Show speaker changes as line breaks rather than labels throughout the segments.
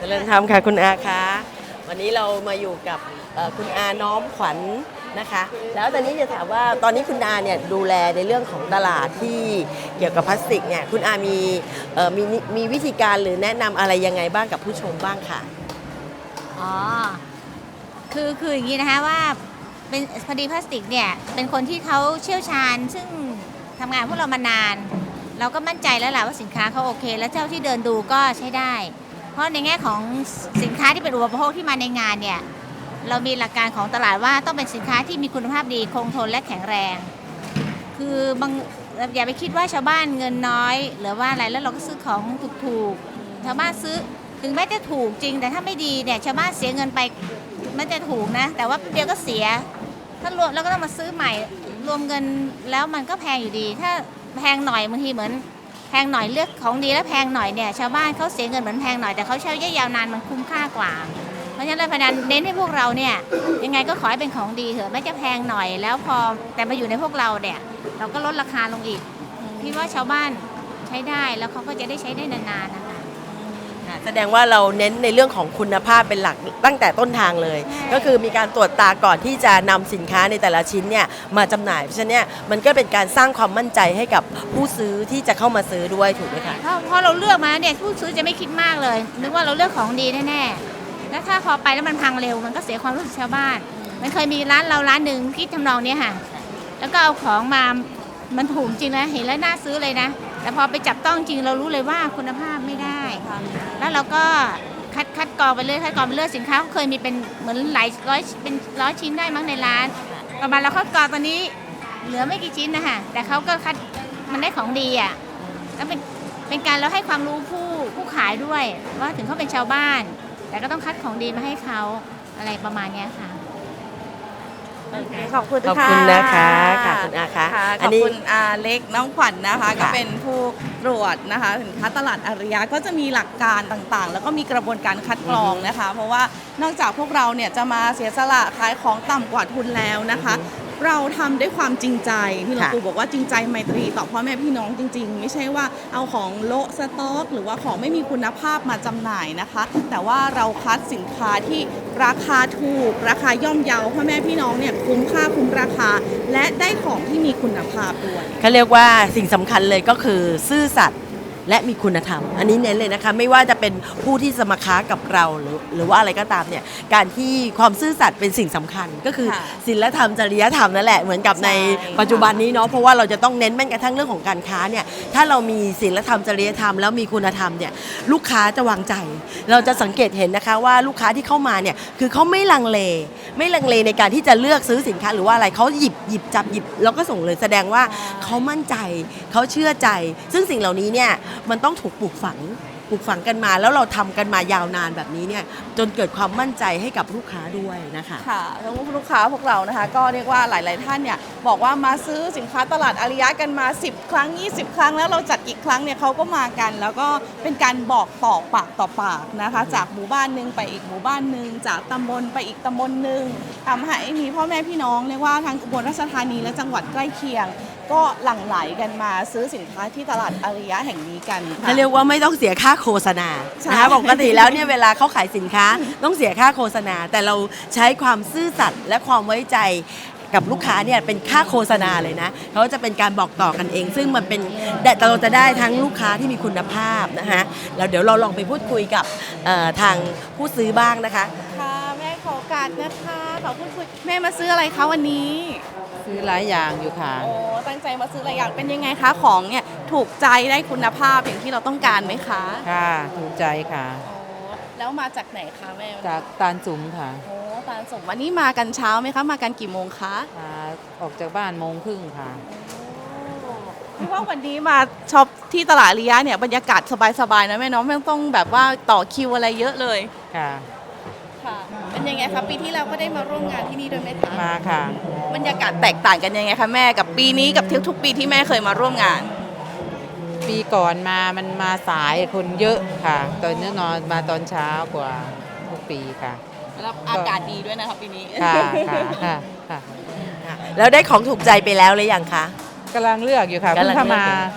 เริญธรรมค่ะคุณอาคะวันนี้เรามาอยู่กับคุณอาน้อมขวัญนะคะแล้วตอนนี้จะถามว่าตอนนี้คุณอาเนี่ยดูแลในเรื่องของตลาดที่เกี่ยวกับพลาสติกเนี่ยคุณอามีวิธีการหรือแนะนำอะไรยังไงบ้างกับผู้ชมบ้างค่ะ
อ๋อคืออย่างนี้นะคะว่าเป็นพอดีพลาสติกเนี่ยเป็นคนที่เขาเชี่ยวชาญซึ่งทำงานพวกเรามานานเราก็มั่นใจแล้วแหละว่าสินค้าเขาโอเคแล้วเจ้าที่เดินดูก็ใช้ได้เพราะในแง่ของสินค้าที่เป็นอุปโภคที่มาในงานเนี่ยเรามีหลักการของตลาดว่าต้องเป็นสินค้าที่มีคุณภาพดีคงทนและแข็งแรงคือบางอย่าไปคิดว่าชาวบ้านเงินน้อยหรือว่าอะไรแล้วเราก็ซื้อของถูกๆชาวบ้านซื้อถึงแม้จะถูกจริงแต่ถ้าไม่ดีเนี่ยชาวบ้านเสียเงินไปมันจะถูกนะแต่ว่าเดียวก็เสียถ้ารวมแล้วก็ต้องมาซื้อใหม่รวมเงินแล้วมันก็แพงอยู่ดีถ้าแพงหน่อยบางทีเหมือนแพงหน่อยเลือกของดีแล้วแพงหน่อยเนี่ยชาวบ้านเขาเสียเงินเหมือนแพงหน่อยแต่เขาใช้ระยะยาวนานมันคุ้มค่ากว่าเพราะฉะนั้นเลยพนันเน้นให้พวกเราเนี่ยยังไงก็ขอให้เป็นของดีเถอะไม่จะแพงหน่อยแล้วพอแต่มาอยู่ในพวกเราเนี่ยเราก็ลดราคาลงอีกพี่ว่าชาวบ้านใช้ได้แล้วเขาก็จะได้ใช้ได้นานๆนะคะ
แสดงว่าเราเน้นในเรื่องของคุณภาพเป็นหลักตั้งแต่ต้นทางเลยก็คือมีการตรวจตาก่อนที่จะนำสินค้าในแต่ละชิ้นเนี่ยมาจำหน่ายเพราะฉะนั้นเนี่ยมันก็เป็นการสร้างความมั่นใจให้กับผู้ซื้อที่จะเข้ามาซื้อด้วยถูกไหมคะ
เพราะเราเลือกมาเนี่ยผู้ซื้อจะไม่คิดมากเลยนึกว่าเราเลือกของดีแน่ๆแล้วถ้าพอไปแล้วมันพังเร็วมันก็เสียความรู้สึกชาวบ้านมันเคยมีร้านเราร้านหนึ่งคิดทำนองนี้ค่ะแล้วก็เอาของมามันถูกจริงนะเห็นแล้วน่าซื้อเลยนะแต่พอไปจับต้องจริงเรารู้เลยว่าคุณภาพไม่ได้แล้วเราก็คัดกรองไปเรื่อยสินค้าเคยมีเป็นเหมือนหลายร้อยเป็นร้อยชิ้นได้มั้งในร้านประมาณเราคัดกรองตอนนี้เหลือไม่กี่ชิ้นนะคะแต่เขาก็คัดมันได้ของดีอ่ะแล้วเป็นการเราให้ความรู้ผู้ขายด้วยว่าถึงเขาเป็นชาวบ้านแต่ก็ต้องคัดของดีมาให้เขาอะไรประมาณนี้ค่ะ
ขอบคุณ
ขอบคุณนะคะค่ะคุณอาคะ
ขอบคุณอาเล็กน้องขวัญนะคะก็เป็นผู้ตรวจนะคะสินค้าตลาดอาริยะก็จะมีหลักการต่างๆแล้วก็มีกระบวนการคัดกรองนะคะเพราะว่านอกจากพวกเราเนี่ยจะมาเสียสละขายของต่ำกว่าทุนแล้วนะคะเราทำด้วยความจริงใจที่หลวงปู่บอกว่าจริงใจไมตรีต่อพ่อแม่พี่น้องจริงๆไม่ใช่ว่าเอาของโละสต็อกหรือว่าของไม่มีคุณภาพมาจำหน่ายนะคะแต่ว่าเราคัดสินค้าที่ราคาถูกราคาย่อมเยาพ่อแม่พี่น้องเนี่ยคุ้มค่าคุ้มราคาและได้ของที่มีคุณภาพด้วย
เขาเรียกว่าสิ่งสำคัญเลยก็คือซื่อสัตย์และมีคุณธรรมอันนี้เน้นเลยนะคะไม่ว่าจะเป็นผู้ที่สมัครค้ากับเราหรือว่าอะไรก็ตามเนี่ยการที่ความซื่อสัตย์เป็นสิ่งสำคัญก็คือศีลธรรมจริยธรรมนั่นแหละเหมือนกับในปัจจุบันนี้เนาะเพราะว่าเราจะต้องเน้นแม้กระทั่งเรื่องของการค้าเนี่ยถ้าเรามีศีลธรรมจริยธรรมแล้วมีคุณธรรมเนี่ยลูกค้าจะวางใจเราจะสังเกตเห็นนะคะว่าลูกค้าที่เข้ามาเนี่ยคือเขาไม่ลังเลในการที่จะเลือกซื้อสินค้าหรือว่าอะไรเขาหยิบจับแล้วก็ส่งเลยแสดงว่าเขามั่นใจเขาเชื่อใจซึ่งสิ่งเหล่านี้เนี่ยมันต้องถูกปลูกฝังกันมาแล้วเราทำกันมายาวนานแบบนี้เนี่ยจนเกิดความมั่นใจให้กับลูกค้าด้วยนะคะ
ค่ะทั้งลูกค้าพวกเรานะคะก็เรียกว่าหลายๆท่านเนี่ยบอกว่ามาซื้อสินค้าตลาดอาริยะกันมา10ครั้ง20ครั้งแล้วเราจัดกี่ครั้งเนี่ยเขาก็มากันแล้วก็เป็นการบอกต่อปากต่อปากนะคะจากหมู่บ้านนึงไปอีกหมู่บ้านนึงจากตำบลไปอีกตำบลนึงทำให้มีพ่อแม่พี่น้องเรียกว่าทั้งอุบลราชธานีและจังหวัดใกล้เคียงก็หลั่งไหลกันมาซื้อสินค้าที่ตลาดอาริยะแห่งนี้กัน
เรียกว่าไม่ต้องเสียค่าโฆษณานะคะปกติแล้วเนี่ยเวลาเขาขายสินค้าต้องเสียค่าโฆษณาแต่เราใช้ความซื่อสัตย์และความไว้ใจกับลูกค้าเนี่ยเป็นค่าโฆษณาเลยนะเขาจะเป็นการบอกต่อกันเองซึ่งมันเป็นเราจะได้ทั้งลูกค้าที่มีคุณภาพนะคะแล้วเดี๋ยวเราลองไปพูดคุยกับทางผู้ซื้อบ้างนะคะ
ค่ะแม่ขอโอกาสนะคะขอพูดคุยแม่มาซื้ออะไรคะวันนี้
ซื้อหลายอย่างอยู่ค่ะ
โอ้ตั้งใจมาซื้อหลายอย่างเป็นยังไงคะของเนี่ยถูกใจได้คุณภาพอย่างที่เราต้องการไหมคะ
ค่ะถูกใจค่ะ
แล้วมาจากไหนคะแม่
จากตาลสุมค่ะ
โอ้ตาลสุมวันนี้มากันเช้าไหมคะมากันกี่โมงคะ
ออกจากบ้าน1:30ค่ะ
พี่ว่าวันนี้มาช็อปที่ตลาดอาริยะเนี่ยบรรยากาศสบายๆนะแม่เนาะไม่ต้องแบบว่าต่อคิวอะไรเยอะเลย
ค่ะ
เป็นยังไงคะปีที่แล้วก็ได้มาร่วมงานที่นี่ด้วยไหมคะ
มาค่ะ
บรรยากาศแตกต่างกันยังไงคะแม่กับปีนี้กับทุกปีที่แม่เคยมาร่วมงาน
ปีก่อนมันมาสายคนเยอะค่ะตอนนี้นอนมาตอนเช้ากว่าทุกปีค่ะ
แล้วอากาศดีด้วยนะคะปีนี้
ค่ะค่ะค่ะ
แล้วได้ของถูกใจไปแล้วหรือยังคะ
กำลังเลือกอยู่ค่ะเพิ่งเข้ามา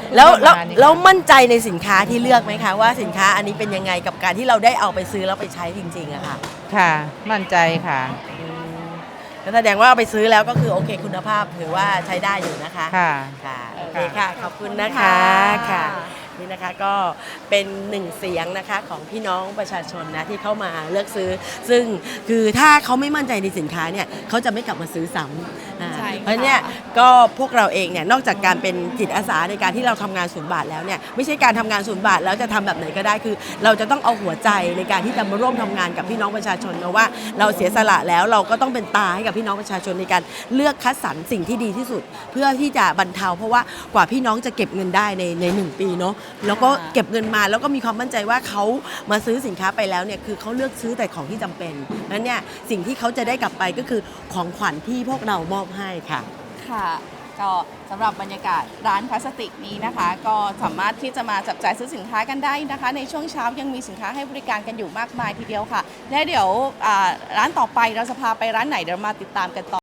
แล้ว
ประมาณนี้ค่ะ
แล้วมั่นใจในสินค้าที่เลือกไหมคะว่าสินค้าอันนี้เป็นยังไงกับการที่เราได้เอาไปซื้อแล้วไปใช้จริงๆอะค่ะ
ค่ะ มั่นใจค่ะ
ก็แสดงว่าเอาไปซื้อแล้วก็คือโอเคคุณภาพถือว่าใช้ได้อยู่นะคะ
ค่ะ
ค่ะโอเคค่ะ ขอบคุณนะคะ ค่ะ นี่นะคะก็เป็นหนึ่งเสียงนะคะของพี่น้องประชาชนนะที่เข้ามาเลือกซื้อ ซึ่งคือถ้าเขาไม่มั่นใจในสินค้าเนี่ยเขาจะไม่กลับมาซื้อซ้ำ
ใช่ค่ะ
เพราะเนี่ยก็พวกเราเองเนี่ยนอกจากการเป็นจิตอาสาในการที่เราทำงานศูนย์บาทแล้วเนี่ยไม่ใช่การทำงานศูนย์บาทแล้วจะทำแบบไหนก็ได้คือ เราจะต้องเอาหัวใจในการที่จะมาร่วมทำงานกับพี่น้องประชาชนนะว่าเราเสียสละแล้วเราก็ต้องเป็นตาให้กับพี่น้องประชาชนในการเลือกคัดสรรสิ่งที่ดีที่สุด เพื่อที่จะบรรเทาเพราะว่ากว่าพี่น้องจะเก็บเงินได้ใน1 ปีเนาะแล้วก็เก็บเงินมาแล้วก็มีความมั่นใจว่าเขามาซื้อสินค้าไปแล้วเนี่ยคือเขาเลือกซื้อแต่ของที่จำเป็นนั้นเนี่ยสิ่งที่เขาจะได้กลับไปก็คือของขวัญที่พวกเรามอบให้ค่ะ
ค่ะก็สำหรับบรรยากาศร้านพลาสติกนี้นะคะ ก็สามารถที่จะมาจับจ่ายซื้อสินค้ากันได้นะคะ ในช่วงเช้ายังมีสินค้าให้บริการกันอยู่มากมายทีเดียวค่ะและเดี๋ยวร้านต่อไปเราจะพาไปร้านไหนเดี๋ยวมาติดตามกันต่อ